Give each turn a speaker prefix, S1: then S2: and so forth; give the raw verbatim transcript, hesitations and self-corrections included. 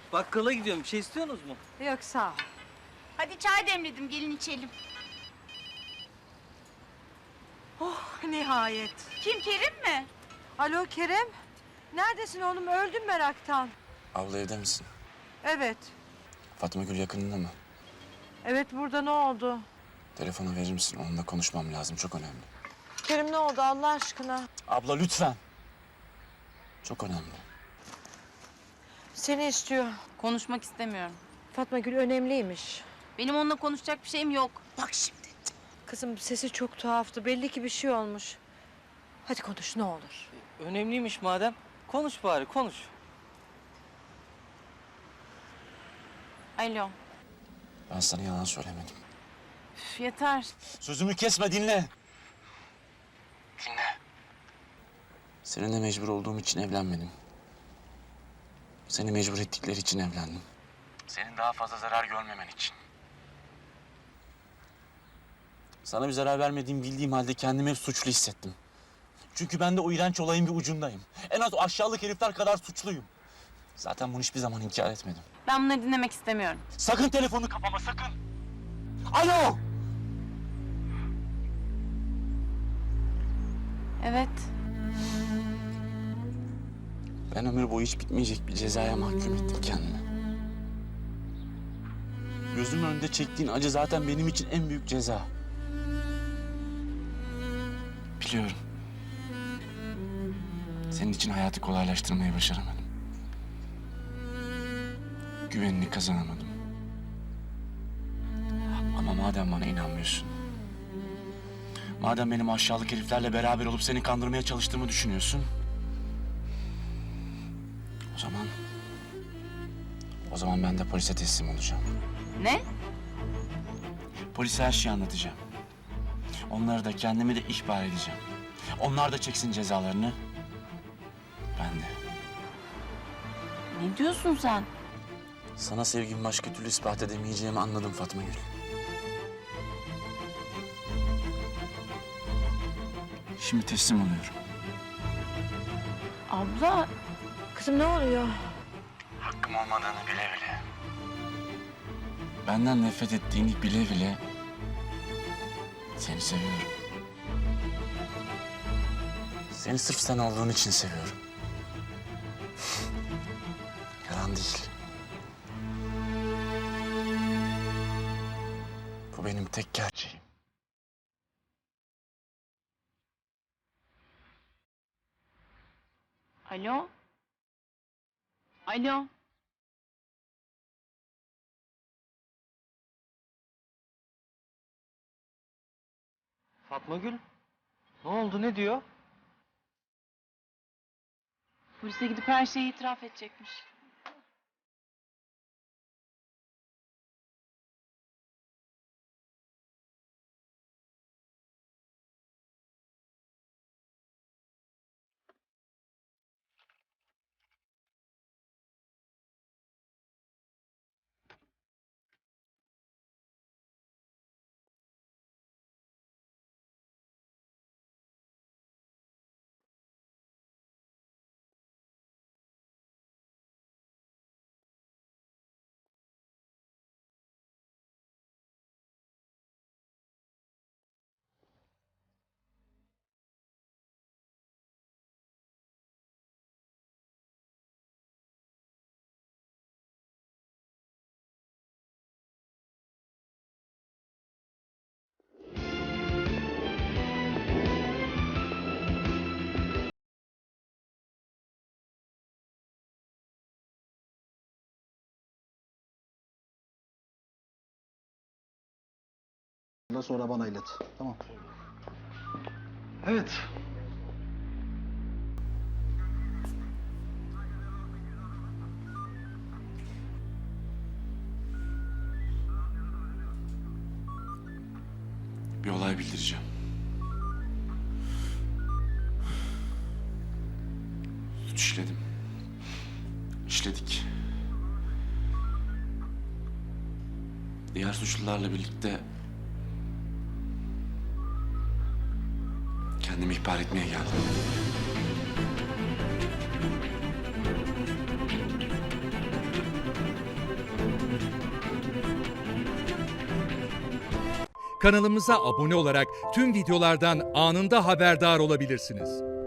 S1: Bakkala gidiyorum. Bir şey istiyorsunuz mu?
S2: Yok sağ ol.
S3: Hadi çay demledim, gelin içelim.
S2: Oh nihayet.
S3: Kim, Kerim mi?
S2: Alo Kerem. Neredesin oğlum? Öldüm meraktan.
S4: Abla evde misin?
S2: Evet.
S4: Fatma Gül yakınında mı?
S2: Evet burada ne oldu?
S4: Telefonu verir misin? Onunla konuşmam lazım. Çok önemli.
S2: Kerim ne oldu Allah aşkına?
S4: Abla lütfen. Çok önemli.
S2: Seni istiyor.
S3: Konuşmak istemiyorum.
S2: Fatma Gül önemliymiş.
S3: Benim onunla konuşacak bir şeyim yok.
S2: Bak şimdi. Kızım sesi çok tuhaftı. Belli ki bir şey olmuş. Hadi konuş ne olur.
S1: Önemliymiş madem. Konuş bari, konuş.
S3: Alo.
S4: Ben sana yalan söylemedim.
S3: Üf, yeter.
S4: Sözümü kesme, dinle. Dinle. Seninle mecbur olduğum için evlenmedim. Seni mecbur ettikleri için evlendim. Senin daha fazla zarar görmemen için. Sana bir zarar vermediğimi bildiğim halde kendimi hep suçlu hissettim. Çünkü ben de o iğrenç olayın bir ucundayım. En az o aşağılık herifler kadar suçluyum. Zaten bunu hiçbir zaman inkar etmedim.
S3: Ben bunları dinlemek istemiyorum.
S4: Sakın telefonu kapama, sakın! Alo!
S3: Evet.
S4: Ben ömür boyu hiç bitmeyecek bir cezaya mahkum ettim kendimi. Gözümün önünde çektiğin acı zaten benim için en büyük ceza. Biliyorum. Senin için hayatı kolaylaştırmayı başaramadım. Güvenini kazanamadım. Ama madem bana inanmıyorsun, madem benim aşağılık heriflerle beraber olup seni kandırmaya çalıştığımı düşünüyorsun, o zaman, o zaman ben de polise teslim olacağım.
S3: Ne?
S4: Polise her şeyi anlatacağım. Onları da kendimi de ihbar edeceğim. Onlar da çeksin cezalarını. Ben de.
S3: Ne diyorsun sen?
S4: Sana sevgimi başka türlü ispat edemeyeceğimi anladım Fatma Gül. Şimdi teslim oluyorum.
S3: Abla.
S2: Kızım ne oluyor?
S4: Hakkım olmadığını bile bile. Benden nefret ettiğini bile bile seni seviyorum. Seni sırf sen olduğun için seviyorum. Yalan değil. Bu benim tek gerçeğim.
S3: Alo. Alo.
S1: Fatma Gül, ne oldu, ne diyor?
S3: Polise gidip her şeyi itiraf edecekmiş.
S5: Sonra bana ilet. Tamam. Evet.
S4: Bir olay bildireceğim. Suç işledim. İşledik. Diğer suçlularla birlikte kendimi ihbar etmeye geldim.
S6: Kanalımıza abone olarak tüm videolardan anında haberdar olabilirsiniz.